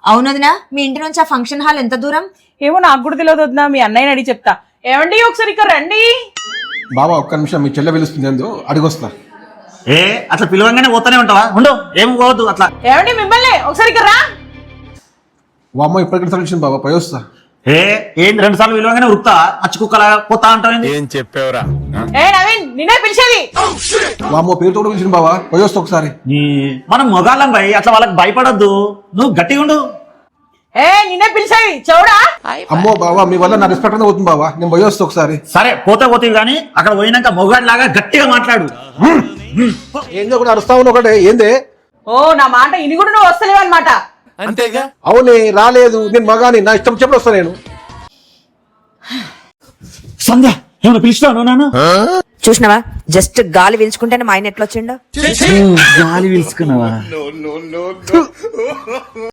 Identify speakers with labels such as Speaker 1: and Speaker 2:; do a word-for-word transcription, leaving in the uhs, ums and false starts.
Speaker 1: అవునదినా, మీ ఇంటి నుంచి ఆ ఫంక్షన్ హాల్ ఎంత దూరం?
Speaker 2: ఏమో నాకు కూడా తెలియదు వదినా, మీ అన్నయ్యని అడిగి చెప్తా. ఏమండి ఒకసారి ఇక్కడ రండి.
Speaker 3: బాబా ఒక్క నిమిషం, మీ చెల్లె పిలుస్తుంది ఏందో అడిగొస్తా.
Speaker 4: ఏ అట్లా పిలవంగానే పోతానే ఉంటావా? ఉండు, ఏం పోవద్దు అట్లా.
Speaker 2: ఏమండి మిమ్మల్ని ఒకసారి ఇక్కడ రా.
Speaker 3: వామ్మ ఇప్పటికి తరలించింది బాబా, పోయి వస్తా.
Speaker 4: ఏ ఏంది రెండు సార్లు పిలవంగానే ఉరుకుతా అచ్చు కుక్కలా పోతా అంటావు?
Speaker 5: ఏం చెప్పావురా?
Speaker 2: ఏ నవీన్, నిన్నే పిలిచేది.
Speaker 3: వామ్మో పేరుతో కూడా పిలిచింది బాబా, పోయి వస్తా ఒకసారి.
Speaker 4: మనం మొగాళ్ళం భయ్, అట్లా వాళ్ళకి భయపడొద్దు. నువ్వు గట్టిగా ఉండు.
Speaker 2: ఏ నిన్నే పిలిచేది చెవుడా.
Speaker 3: అమ్మో బాబా, మీ వల్ల నా రెస్పెక్ట్ అంతా పోతుంది బాబా, నేను పోయి వస్తా ఒకసారి.
Speaker 4: సరే పోతే పోతే గానీ అక్కడ పోయినాక మొగాడి లాగా గట్టిగా మాట్లాడు.
Speaker 3: ఏందో కూడా అరుస్తా ఉన్నా ఒకటే, ఏందే?
Speaker 2: ఓ నా మాట ఇని కూడా నువ్వు వస్తలేవు అనమాట.
Speaker 5: అంతేగా.
Speaker 3: అవునే రాలేదు, నేను మగాని, నా ఇష్టం చెప్పి వస్తా నేను.
Speaker 4: సంధ్య ఏమైనా పిలిచినావు నాన్న?
Speaker 1: చూసినావా, జస్ట్ గాలి పీల్చుకుంటేనే మా ఆయన ఎట్లా వచ్చిండో.
Speaker 4: గాలి పిలుచుకున్నావా?